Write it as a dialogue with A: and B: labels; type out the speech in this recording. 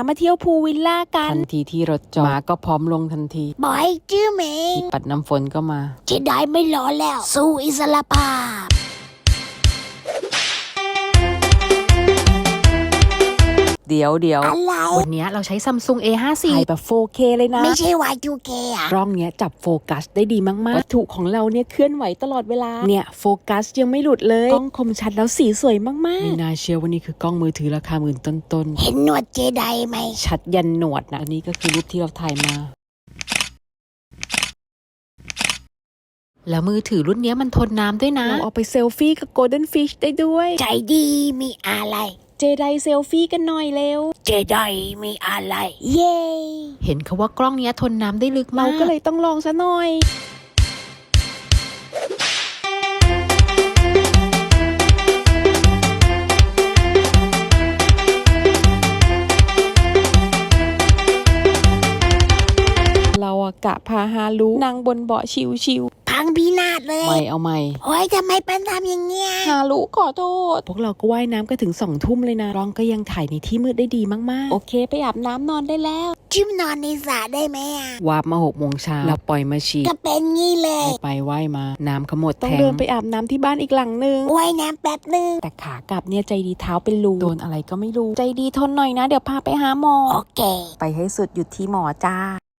A: มาเที่ยวพูลวิลล่ากันทันทีที่รถจอดม้าก็พร้อมลงทันที
B: บอยจื้อเหมง
A: ปัดน้ำฝนก็มา
B: เจไดไม่รอแล้วสู้อิสรภาพ
A: เดี๋ยว
B: อะไร
A: วันนี้เราใช้ Samsung A54 ถ่ายแบบ 4K เลยนะ
B: ไม่ใช่ Y2K อ่ะ
A: กล้องเนี้ยจับโฟกัสได้ดีมากๆวัตถุของเราเนี่ยเคลื่อนไหวตลอดเวลาเนี่ยโฟกัสยังไม่หลุดเลยกล้องคมชัดแล้วสีสวยมากๆไม่น่าเชื่อว่านี่คือกล้องมือถือราคาหมื่นต้น
B: เห็นหนวดเจไดไหม
A: ชัดยันหนวดนะอันนี้ก็คือรูปที่เราถ่ายมาแล้วมือถือรุ่นนี้มันทนน้ำด้วยนะเราเอาไปเซลฟี่กับ Golden Fish ได้ด้วย
B: ใจดีมีอะไร
A: เจไดเซลฟี่กันหน่อยเร็ว
B: เจไดมีอะไรเย้
A: เห็นเขาว่ากล้องนี้ทนน้ำได้ลึกมากเราก็เลยต้องลองซะหน่อยเรากะพาฮารุนั่งบนเบาะชิว
B: พังพินาศเลย
A: ไม่เอาไม่
B: โอ้ยทำไมเป็นทำอย่างเงี้ย
A: ฮารุขอโทษพวกเราก็ว่ายน้ำกันถึง2 ทุ่มเลยนะร้องก็ยังถ่ายในที่มืดได้ดีมากๆโอเคไปอาบน้ำนอนได้แล้ว
B: จิ้มนอนในสระได้ไหมอ่ะ
A: วาบมา6 โมงเช้าเราปล่อยมาฉี่
B: ก็เป็นงี้เลย
A: ไปว่ายมาน้ำขมดต้องเดินไปอาบน้ำที่บ้านอีกหลังนึง
B: ว่ายน้ำแป๊บนึง
A: แต่ขากลับเนี่ยใจดีเท้าเป็นรูโดนอะไรก็ไม่รู้ใจดีทนหน่อยนะเดี๋ยวพาไปหาหมอ
B: โอเค
A: ไปให้สุดหยุดที่หมอจ้า